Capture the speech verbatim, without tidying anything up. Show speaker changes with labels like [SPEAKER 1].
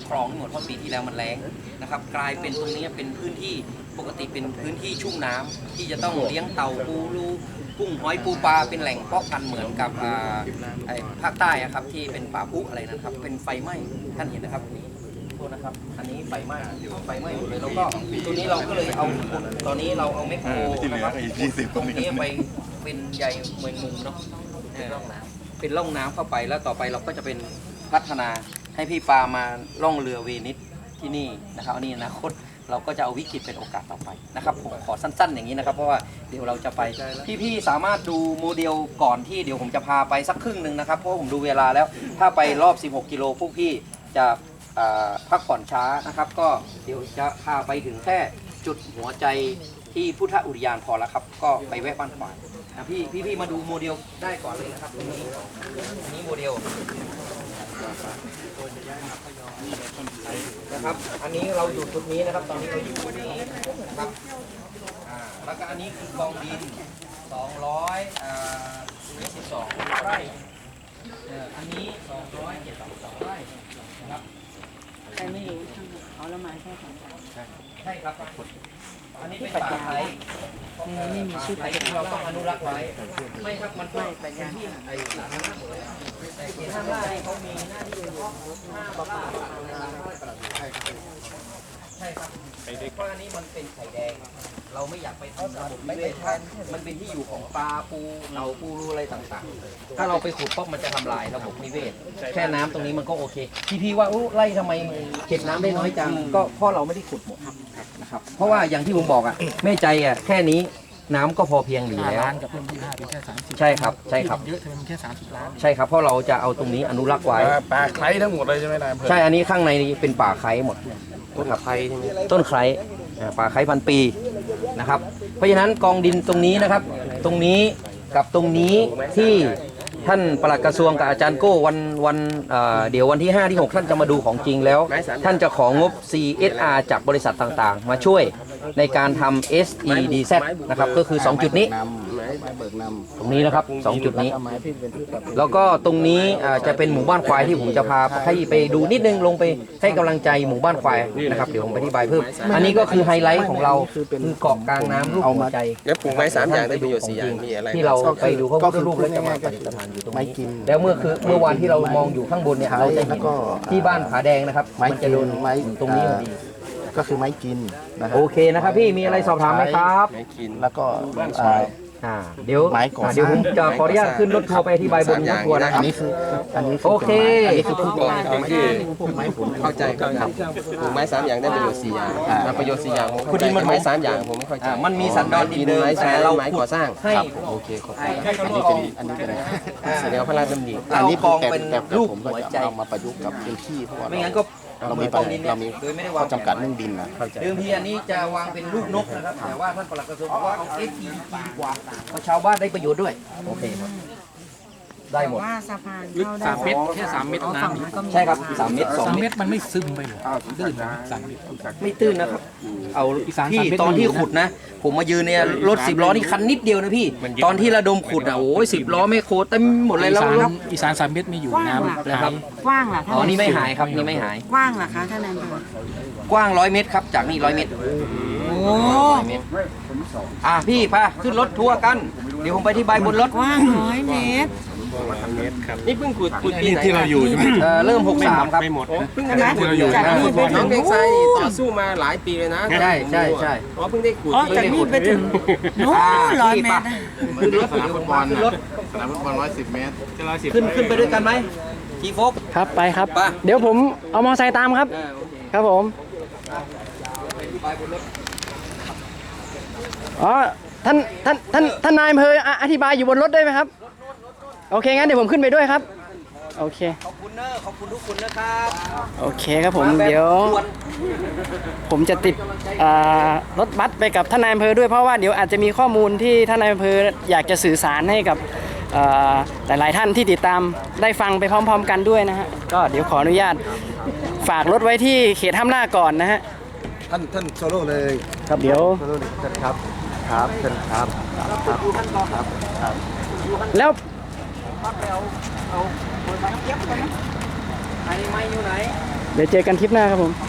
[SPEAKER 1] คลองหมดเพราะปีที่แล้วมันแล้งนะครับกลายเป็นตรงนี้เป็นพื้นที่ปกติเป็นพื้นที่ชุ่มน้ำที่จะต้องเลี้ยงเต่าปูรูกุ้งหอยปูปลาเป็นแหล่งเพาะพันธุ์เหมือนกับภาคใต้ครับที่เป็นป่าพุอะไรนะครับเป็นไฟไหม้ท่านเห็นนะครับนี่โทษนะครับอันนี้ไฟไหม้ไฟไหม้หมดเลยแล้วก็ตัวนี้เราก็เลยเอาตอนนี้เราเอาแมคโครนะครับตรงนี้ไปเป็นใยเมงมุมเนาะเป็นร่องน้ำเป็นร่องน้ำเข้าไปแล้วต่อไปเราก็จะเป็นพัฒนาให้พี่ปามาล่องเรือเวนิสที่นี่นะครับอันนี้อนาคตเราก็จะเอาวิกฤตเป็นโอกาสต่อไปนะครับผมขอสั้นๆอย่างนี้นะครับเพราะว่าเดี๋ยวเราจะไปพี่ๆสามารถดูโมเดลก่อนที่เดี๋ยวผมจะพาไปสักครึ่งหนึ่งนะครับเพราะผมดูเวลาแล้วถ้าไปรอบสิบหกกิโลพวกพี่จะพักผ่อนช้านะครับก็เดี๋ยวจะพาไปถึงแค่จุดหัวใจที่พุทธอุทยานพอแล้วครับก็ไปแวะบ้านขวานนะพี่พี่ๆมาดูโมเดลได้ก่อนเลยนะครับตรงนี้อันนี้โมเดลนะครับอันนี้เราอยู่จุดนี้นะครับตอนนี้เราอยู่จุดนี้นะครับอ่าแล้วก็อันนี้คือกองดินสองร้อยยี่สิบสองไร่อันนี้สองร้อยเจ็ดสิบสองไร่นะครับ
[SPEAKER 2] ใครไม่รู้ทั้งหมดเอาแล้วมาแค่สองคน
[SPEAKER 1] ใช่ครับอันนี้เป็นป่าไทย
[SPEAKER 2] นี่มีชื่อ
[SPEAKER 1] ไทยที่เราต้องอนุรักษ์ไว้ไม่ครับมันก็เป็นที่ไอ้สาธารณะหมดเลยแต่ที่ทางล่างเขามีหน้าที่เฉพาะหน้าปลาปลาใช่ครับใช่ครับเพราะอันนี้มันเป็นไข่แดงเราไม่อยากไปทำระบบนิเวศมันเป็นที่อยู่ของปลาปูเต่าปูอะไรต่างๆถ้าเราไปขุดป๊อกมันจะทำลายระบบนิเวศแค่น้ำตรงนี้มันก็โอเคพี่พี่ว่าอู้ไล่ทำไมเก็บน้ำได้น้อยจังก็เพราะเราไม่ได้ขุดหมดนะครับเพราะว่าอย่างที่ผมบอกอ่ะแม่ใจอ่ะแค่นี้น้ำก็พอเพียงอยู่แล้ว
[SPEAKER 3] กับเพิ่มที่ห้าเป็นแค่สามสิบ
[SPEAKER 1] ใช่ครับใช่ครับ
[SPEAKER 3] เยอะทำไมมันแค่สามสิบล้าน
[SPEAKER 1] ใช่ครับเพราะเราจะเอาตรงนี้อนุรักษ์ไว้
[SPEAKER 4] ป่าไคร้ทั้งหมดเลยใช่ไหมนายอำเภอ
[SPEAKER 1] ใช่อันนี้ข้างในนี้เป็นป่าไคร้หมด
[SPEAKER 4] ต้นไคร้ใช่ไหม
[SPEAKER 1] ต้นไคร้ป่าไคร้พันปีนะครับเพราะฉะนั้นกองดินตรงนี้นะครับตรงนี้กับตรงนี้ที่ท่านปลัดกระทรวงกับอาจารย์โก้วันวันเดี๋ยววันที่ห้าที่หกท่านจะมาดูของจริงแล้วท่านจะของงบ ซี เอส อาร์ จากบริษัทต่างๆมาช่วยในการทำ เอส อี ดี แซด นะครับก็คือสองจุดนี้ตรงนี้นะครับสองจุดนี้แล้วก็ตรงนี้จะเป็นหมู่บ้านควายที่ผมจะพาให้ไปดูนิดนึงลงไปให้กำลังใจหมู่บ้านควายนะครับเดี๋ยวผมอธิบายเพิ่มอันนี้ก็คือไฮไลท์ของเราคือเกาะกลางน้ำรูปหัวใจ
[SPEAKER 4] แล้วปลูกไม้สามอย่างได้ประโยชน์สี่อย่างมีอะไร
[SPEAKER 1] ที่เราไปดูเขาก็รูปแล้วจะมาประดิษฐานอยู่ตรงนี้แล้วเมื่อคือเมื่อวานที่เรามองอยู่ข้างบนเนี่ยเราจะเห็นที่บ้านผาแดงนะครับมันจะโดนไม้ตรงนี้พอดี
[SPEAKER 5] ก็คือไม้กินนะ
[SPEAKER 1] โอเคนะครับพี่มีอะไรสอบถามไหมครับ
[SPEAKER 4] ไม้กิน
[SPEAKER 5] แล้วก็
[SPEAKER 1] อ่าเดี๋ยวเดี๋ยวผมจะขออนุญาตขึ้นรถทัวร์ไปอธิบายบนรถทัวร์นะ
[SPEAKER 5] อันนี้คืออันนี้
[SPEAKER 1] โอเค
[SPEAKER 5] อันนี้คือผู้ก่อ
[SPEAKER 4] ที่ไม้ผลเข้าใจครับปลูกไม้สามอย่างได้ประโยชน์สี่อย่างประโยชน์สี่อย่างคุณดินมันไม้สามอย่างผมไม่เข้าใจ
[SPEAKER 1] มันมีสันดอนดินเดิม
[SPEAKER 4] แต่เราไม้ก่อสร้าง
[SPEAKER 1] ให้
[SPEAKER 4] โอเคขอบคุณ
[SPEAKER 5] อันนี้เป็นอันนี้เป็น
[SPEAKER 4] แสดงพระราชดำริ
[SPEAKER 1] อันนี้กองเป็นรูปหัวใจ
[SPEAKER 5] เอามาประยุกต์กับพื้นที่เพราะว่า
[SPEAKER 1] ไม่งั้นก็
[SPEAKER 5] เรามีเรามีข้อจำกัดเรื่องดินนะ
[SPEAKER 1] เดิมทีอันนี้จะวางเป็นรูปนกนะครับแต่ว่าท่านปลัดกระทรวงบอกว่าเอา เอส อี ดี กว่าเพราะชาวบ้านได้ประโยชน์ด้วยโอเคครับได้หมด
[SPEAKER 2] ว่าสะพาน
[SPEAKER 3] ลึกสามเมตรแค่สามเมตรน้
[SPEAKER 1] ำใช่ครับสามเมตรสองเมตร
[SPEAKER 3] มันไม่ซึมไปหรอตื้นนะสามเมตร
[SPEAKER 1] ไม่ตื้นนะครับเอาพี่ตอนที่ขุดนะผมมายืนเนี่ยรถสิบล้อนี่คันนิดเดียวนะพี่ตอนที่ระดมขุดอ่ะโอ้ยสิบล้อไม่โคเต็มหมดเลยแล้วครับ
[SPEAKER 3] อีสานสามเมตรไม่อยู่น้ำ
[SPEAKER 1] นะครับ
[SPEAKER 2] กว้างล่ะ
[SPEAKER 1] อ๋อนี่ไม่หายครับนี่ไม่หาย
[SPEAKER 2] กว้างล่ะคะท่านนายอำเภ
[SPEAKER 1] อกว้างร้อยเมตรครับจากนี่ร้อยเมตร
[SPEAKER 2] โอ้
[SPEAKER 1] อ่ะพี่พาขึ้นรถทัวร์กันเดี๋ยวผมไปที่ใบบนรถ
[SPEAKER 2] กว้างร้อยเมตร
[SPEAKER 4] นี่เพิ่งขุดขุดปีไหน
[SPEAKER 3] ที่เราอยู่ใช่ไหม
[SPEAKER 1] เริ่มหกสามครับ
[SPEAKER 4] ไม่หมดเพิ่งได้ขุดอยู่น้องเด็กชายต่อสู้มาหลายปีเลยนะ
[SPEAKER 1] ใช่ใช่ใช่
[SPEAKER 4] เพราะเพิ่งได้ขุด
[SPEAKER 2] จากนี่ไปถึงนู้นร้อยเมตร
[SPEAKER 1] ขึ้นรถสนามฟุตบอลรถ
[SPEAKER 5] สนามฟุตบอลร้อยสิบเมตร
[SPEAKER 1] ขึ้นขึ้นไปด้วยกันไหมทีโฟก
[SPEAKER 3] ครับไปครับเดี๋ยวผมเอามอเตอร์ไซค์ตามครับครับผมอ๋อท่านท่านท่านท่านนายอำเภออธิบายอยู่บนรถได้ไหมครับโอเคงั้นเดี๋ยวผมขึ้นไปด้วยครับโอเค
[SPEAKER 1] ขอบคุณเนอขอบคุณทุกคนนะครับ
[SPEAKER 3] โอเคครับผมเดี๋ยวผมจะติดรถบัสไปกับท่านนายอำเภอด้วยเพราะว่าเดี๋ยวอาจจะมีข้อมูลที่ท่านนายอำเภออยากจะสื่อสารให้กับหลายๆท่านที่ติดตามได้ฟังไปพร้อมๆกันด้วยนะฮะก็เดี๋ยวขออนุญาตฝากรถไว้ที่เขตห้ามล่าก่อนนะฮะ
[SPEAKER 5] ท่านท่านโซโล่เลย
[SPEAKER 3] ครับเดี๋ยว
[SPEAKER 5] ครับครับเชิญครับครับครับครับ
[SPEAKER 3] แล้ว
[SPEAKER 1] เอาเอาเปิดไฟเก็บไปนะไอ้ไม้อยู่ไหน
[SPEAKER 3] เดี๋ยวเจอกันคลิปหน้าครับผม